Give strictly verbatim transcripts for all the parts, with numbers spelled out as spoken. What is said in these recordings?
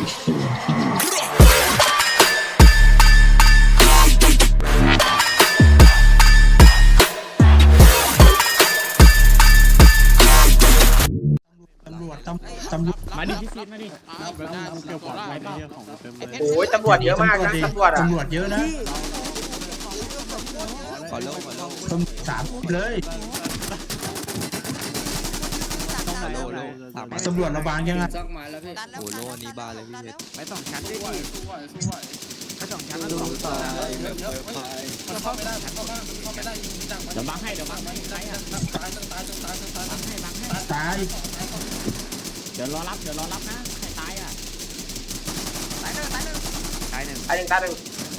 ตำรวจตำตำรวจมาดิพี่ซีดมาดิโอ้ยตำรวจเยอะมากนะตำรวจอ่ะตำรวจเยอะนะขอโลขอโลตำรวจสามเลยขอโลโลสามตำรวจระบางยังไงโอ้โลนี้บานเลยพี่เพชรไปสองชั้นด้วยดิไปสองชั้นแล้วสองต่อเดี๋ยวบังให้เดี๋ยวบังให้ใครอ่ะบังให้บังให้ตายเดี๋ยวรอรับเดี๋ยวรอรับนะใครตายอ่ะตายหนึ่งตายหนึ่งตายหนึ่งตายหนึ่งตายหนึ่ง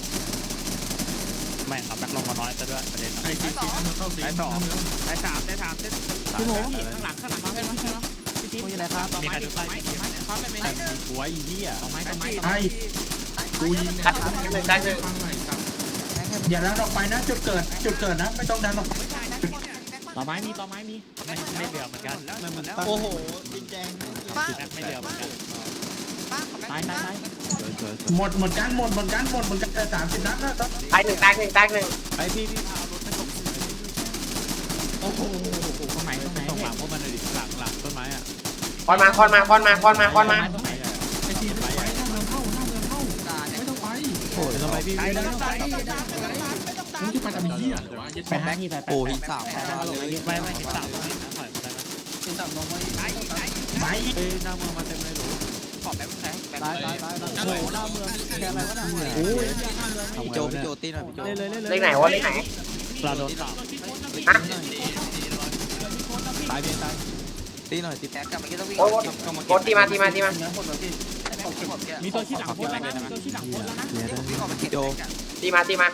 ไม่ขับแบ็คลงมาน้อยซะด้วยประเด็นไอ้ที่สองไอ้สองไอ้สามไอ้สามเส้นพี่หมูข้างหลังข้างหลังมาเป็นพี่ทีมอะไรครับมีใครดูไม้ต่อไม้ต่อไม้ไม่ได้หัวอีเหี้ยต่อไม้ต่อไม้ตายกูยิงตายหนึ่งตายหนึ่งอย่าดันออกไปนะจุดเกิดจุดเกิดนะไม่ต้องดันออกไปต่อไม้มีต่อไม้มีไม่ไม่เหลือเหมือนกันโอ้โหจริงแจงไม่เหลือเหมือนกันตายตายตายหมดหมดกันหมดหมดกันหมดหมดกันแต่สามสิบนัดนะต้องตายหนึ่งตายหนึ่งตายหนึ่งไอพี่พี่พาเอารถไปส่งโอ้โหตรงไหนตรงไหนตรงหลังพวกมันเลยหลังหลังต้นไม้อ่ะคอนมาคอนมาคอนมาคอนมาคอนมาไอ้ทีไม่ไปหน้าเมืองเข้าหน้าเมืองเข้าไม่ต้องไปโอ้ยทำไมพี่ไม่ต้องตายมึงจะไปทำเหี้ยแปดแบงค์ที่แปดโอ้หินสามไม่ไม่หินสามไม่นะถอยมาได้ไหมไปเอ้ยหน้าเมืองมาเต็มเลยหรูขอบแบงค์แบงค์ตายตายตายโอ้โหหน้าเมืองแค่อะไรวะเนี่ยโอ้ยพี่โจพี่โจตีหน่อยพี่โจเลยเลยเลยเลขไหนวะเลขไหนปลาโดนต่อฮะตายเพียงตายตีหน่อยตีแท็กโอ้ยโอ้ยตีมาตีมาตีมามีตัวชี้หลังโคตรแล้วนะมีตัวชี้หลังโคตรแล้วนะพี่โจตีมาตีมาก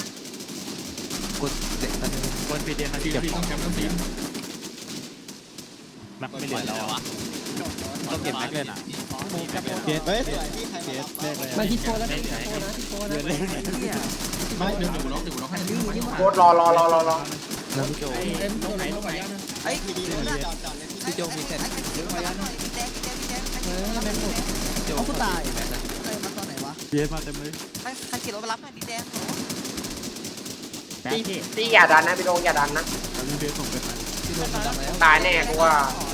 ดเด็กตันคนปีเดียวที่เก็บของแคมป์ทีมแม็กไม่เหลือแล้วอ่ะต้องเก็บแม็กเลยนะเฮ้ยเฮ้ยพี่ใครมาที่โฟแล้วไม่เหลือที่โฟนะที่โฟนะไม่เดี๋ยวล็อกเดี๋ยวล็อกให้โคตรรอรอรอรอรอแล้วพี่โจตรงไหนตรงไหนไอ้พี่ดีเลยพี่โจมีเซ็ตเดี๋ยวกูตายมาตอนไหนวะเย็บมาเต็มเลยใครใครขี่รถมารับหน่อยดิแดงตีตีอย่าดันนะพี่โดงอย่าดันนะเบียร์ส่งไปพี่โจดังแล้วตายแน่กูว่า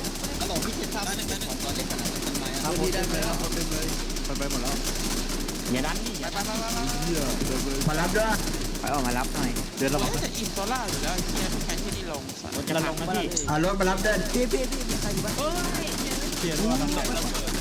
ครับพี่ได้ไหมครับไปไปหมดแล้วอย่าดันนี่อย่าดันมารับด้วยไปออกมารับหน่อยเดี๋ยวเราจะอินโซล่าอยู่แล้วเฮียทุกแคนที่นี่ลงจะลงนะพี่อ่ารถมารับด้วยพี่พี่พี่มีใครอยู่บ้างเสียตัวน้ำตก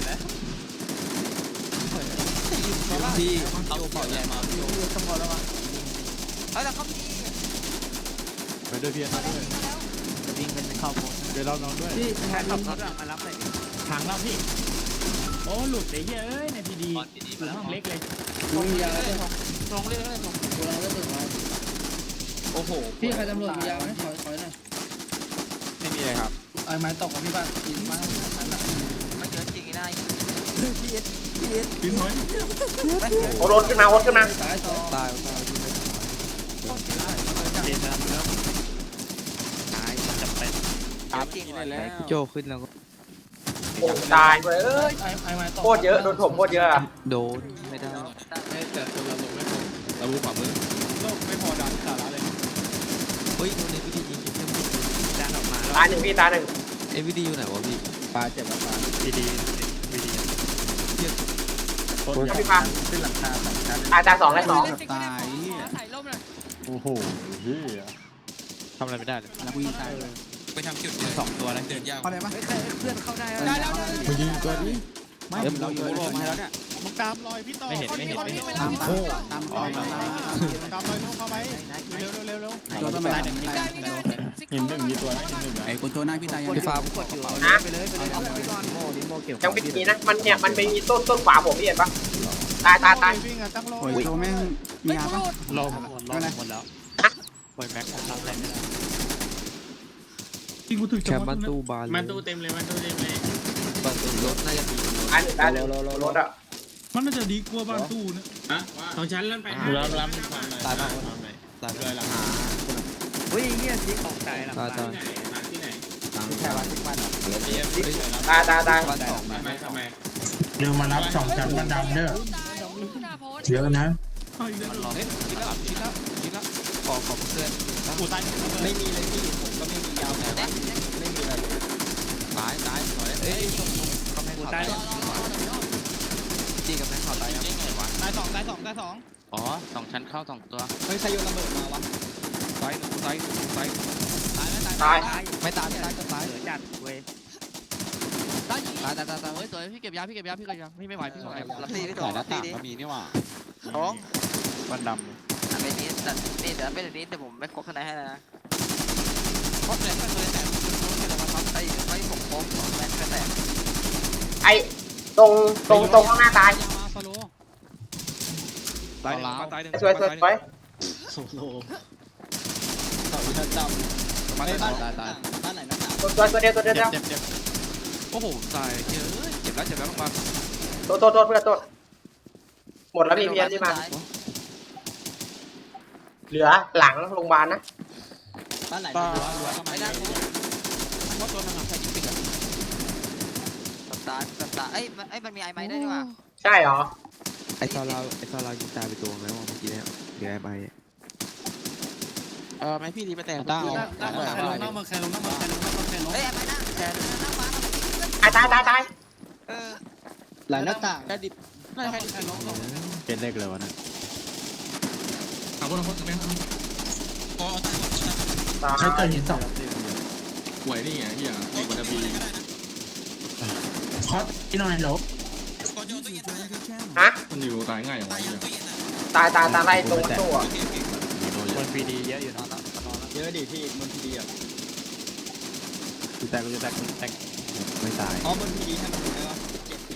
พี่โจเป่าใหญ่มาพี่โจตำรวจแล้ววะเฮ้ยแต่เขามีไปด้วยเพียร์ด้วยจะวิ่งเป็นเข้าโบสเดี๋ยวเรานอนด้วยพี่ใครขับรถมารับหน่อยทางเราพี่โอ้หลุดเลยเฮ้ยในพีดีห้องเล็กเลยมียาเลยตรงเล็กเลยตรงกูเราก็ถึงมาโอ้โหพี่ใครตำรวจมียาไหมถอยถอยหน่อยไม่มีเลยครับไอ้ไม้ตกกับพี่บ้านยิงมาไม่เจอจริงได้พี่เอสพี่เอสกินหน่อยโอ้โดนขึ้นมาโดนขึ้นมาสายสองตายตายเย็นแล้วตายจะเป็นตามจริงแล้วพี่โจขึ้นแล้วก็โอ้ตายเว้ยเอ้ยไอ้ไอ้ไม้ตกโคตรเยอะโดนถมโคตรเยอะอะโดนไม่ได้แต่ตัวเราลงไม่พอเราบูขวามือโลกไม่พอดันสาระเลยเฮ้ยตัวนี้พี่ดียิงคิดไม่ดันออกมาตายหนึ่งพี่ตายหนึ่งเอวีดีอยู่ไหนวะพี่ปลาเจ็บแล้วปลาพีดีพีดีพี่ฟังขึ้นหลังคาสองชั้นตายตายสองตายสองตายโอ้โหเฮียทำอะไรไม่ได้เลยนักวิ่งใช่ไปทำจุดสองตัวแล้วเดินยากเขาได้ปะเพื่อนเข้าได้ได้แล้วมายิงตัวนี้ไม่เราอยู่โลมาแล้วเนี่ยมึงตามรอยพี่ต่อไม่เห็นไม่เห็นไม่เห็นตามตามตามตามตามตามรอยน้องเข้าไปเร็วเร็วเร็วตัวต้นไม้หนึ่งหินหนึ่งมีตัวไหมหินหนึ่งไอ้คนตัวหน้าพี่ตายยังพี่ฟ้ากดอยู่นะไปเลยไปเลยเอาไปก่อนโม่ดิโม่เกี่ยวยังไม่มีนะมันเนี่ยมันไม่มีต้นต้นขวาผมพี่เห็นปะตายตายตายวิ่งอ่ะตั้งรอโอ้ยตัวแม่งมียาปะรอหมดรอหมดแล้วปล่อยแม็กผมทำอะไรไม่ได้ที่กูถึงแคมป์บ้านตู้บานมันตู้เต็มเลยมันตู้เต็มเลยบ้านตู้รถน่าจะมีตายหนึ่งตายหนึ่งรถอะมันน่าจะดีกว่าบ้านตู้นะสองชั้นแล้วไปรับรับตายมากตายเลยหลังเฮ้ยเงี้ยสีของใจหลังตายตายที่ไหนแค่วันที่วันตายตายตายบ้านสองทำไมทำไมเดี๋ยวมารับสองชั้นมันดำเด้อเยอะนะมันรอเฮ้ยชิดแล้วชิดแล้วชิดแล้วขอขอบเพื่อนกูตายไม่มีเลยพี่ผมก็ไม่มียาวแผลไม่มีอะไรตายตายสวยเอ้ยตรงกำแพงกูข่าวตาตาย ยจีกำแพงข่าวตายยังไงวะตายสองตายสองตายสองอ๋อสองชั้นเข้าสองตัวเฮ้ยใครโยนระเบิดมาวะตายตายตายตายไม่ตายไม่ตายก็ตายเหลือจัดเว้ยตายตายตายตายเฮ้ยสวยพี่เก็บยาพี่เก็บยาพี่เก็บยาพี่ไม่ไหวพี่ไม่ไหวรับตีพี่โตรับตีดิมีนี่ว่าโอ้วันดอ่ะเป็นนี้แต่นี่เดี๋ยวเป็นนี้แต่ผมไม่ครบข้างในให้แล้วนะเพราะแต่ถ้าเคยแต่ไอ้ไอ้ผมครบแม่นก็แต่ไอ้ตรงตรงตรงข้างหน้าตายมาฟาโลตายตายสวยสวยสวยโซโลต่อวินาทีตายบ้านตายตายบ้านไหนนะตัวตัวตัวเดียวตัวเดียวเจ็บเจ็บเจ็บโอ้โหตายเยอะเจ็บแล้วเจ็บแล้วลงมาตัวตัวตัวเพื่อนตัวหมดแล้วมีเพียนที่มาเหลือหลังโรงพยาบาลนะบ้านไหนตานะไม่ได้เพราะตัวนึงอ่ะใครยิงปิดอ่ะตับตาตับตาเอ้ยไอ้มันมีไอ้ไม้ได้ดีกว่าใช่เหรอไอตอนเราไอตอนเรายิงตายไปตัวแล้วเมื่อกี้เนี่ยเดี๋ยวไอ้ใบเออไม่พี่ดีไปแต่งต้าได้ได้ใครลงน้ำมาใครลงน้ำมาใครลงน้ำมาใครลงเฮ้ยไอ้ไม้น่ะแต่นั่งมาตายตายตายตายเออหลายหน้าต่างแค่ดิบไม่ใครใครลงเป็นเลขเลยวะนะเอาคนละคนกันไหมตายใช้เกิดหินสองหวยนี่ไงเฮียมีวันบีคอสที่หน่อยหลบฮะมันอยู่ตายง่ายอย่างไรเฮียตายตายตายไล่ตรงตัวคนปีดีเยอะอยู่นะเยอะดิพี่บนพีดีอ่ะกูแตกกูจะแตกกูแตกไม่ตายอ๋อบนพีดีให้มันดูไหมวะเจ็บ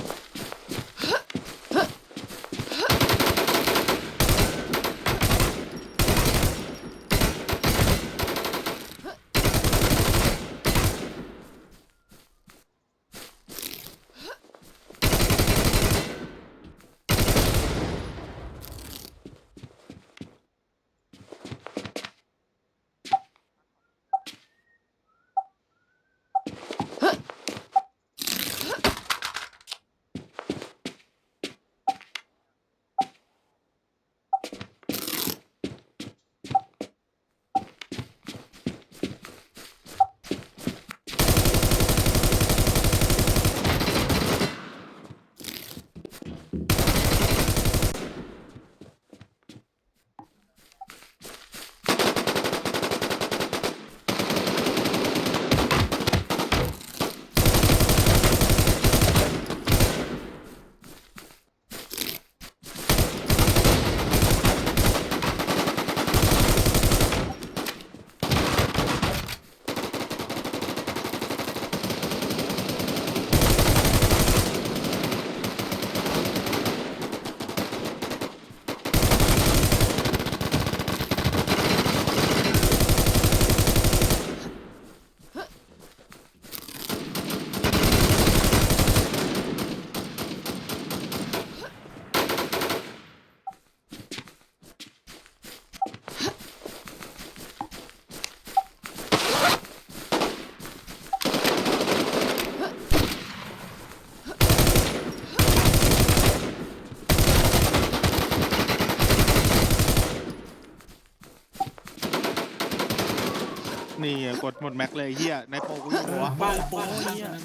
นี่กดหมดแม็กเลยเฮียในโปกูอยู่หัวบ้านโป้เฮีย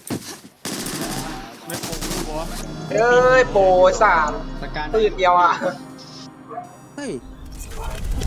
ในโปกูอยู่หัวเอ้ยโปรสามประการตื่นเดียวอ่ะเฮ้ย